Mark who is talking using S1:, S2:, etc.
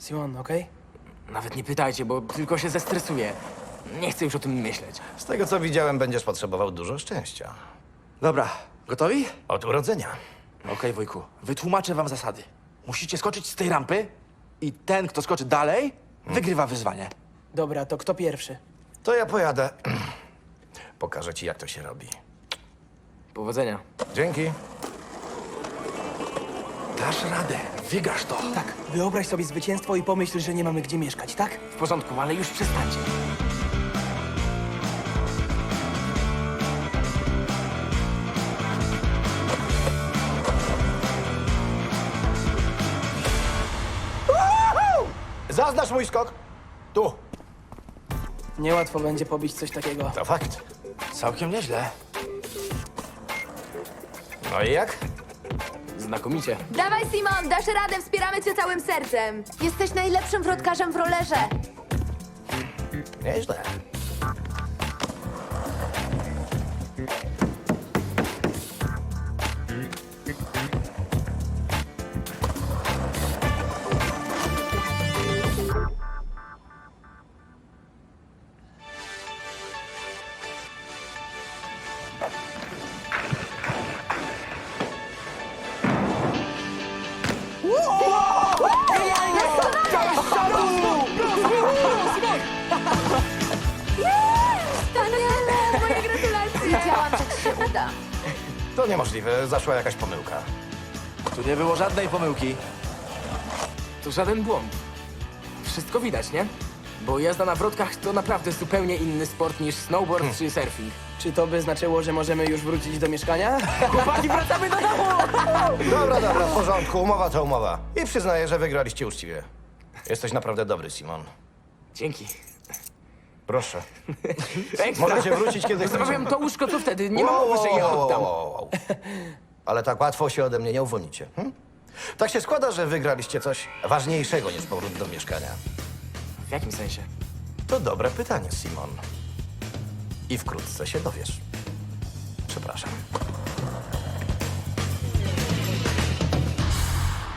S1: Simon, okej?
S2: Nawet nie pytajcie, bo tylko się zestresuję. Nie chcę już o tym myśleć.
S3: Z tego, co widziałem, będziesz potrzebował dużo szczęścia.
S4: Dobra, gotowi?
S3: Od urodzenia.
S4: Okej, wujku, wytłumaczę wam zasady. Musicie skoczyć z tej rampy i ten, kto skoczy dalej, wygrywa wyzwanie.
S1: Dobra, to kto pierwszy?
S3: To ja pojadę. Pokażę ci, jak to się robi.
S2: Powodzenia.
S3: Dzięki.
S4: Dasz radę, wygrasz to.
S1: Tak, wyobraź sobie zwycięstwo i pomyśl, że nie mamy gdzie mieszkać, tak?
S2: W porządku, ale już przestańcie.
S3: Zaznacz mój skok. Tu.
S1: Niełatwo będzie pobić coś takiego.
S3: To fakt.
S4: Całkiem nieźle.
S3: No i jak?
S2: Znakomicie.
S5: Dawaj, Simon, dasz radę, wspieramy cię całym sercem. Jesteś najlepszym wrotkarzem w rollerze.
S3: Nieźle.
S5: Wspaniale, moje gratulacje. Wiedziałam, że ci się uda.
S3: To niemożliwe. Zaszła jakaś pomyłka.
S4: Tu nie było żadnej pomyłki.
S2: To żaden błąd. Wszystko widać, nie? Bo jazda na wrotkach to naprawdę zupełnie inny sport niż snowboard czy surfing.
S1: Czy to by znaczyło, że możemy już wrócić do mieszkania?
S2: Chłopaki, wracamy do domu!
S3: Dobra, w porządku. Umowa to umowa. I przyznaję, że wygraliście uczciwie. Jesteś naprawdę dobry, Simon.
S2: Dzięki.
S3: Proszę.
S2: Ekstra.
S3: Możecie wrócić, kiedy chcecie.
S2: Zostawiam to łóżko tu wtedy, nie ma mowy, że je oddam.
S3: Ale tak łatwo się ode mnie nie uwolnicie. Tak się składa, że wygraliście coś ważniejszego niż powrót do mieszkania.
S2: W jakim sensie?
S3: To dobre pytanie, Simon. I wkrótce się dowiesz. Przepraszam.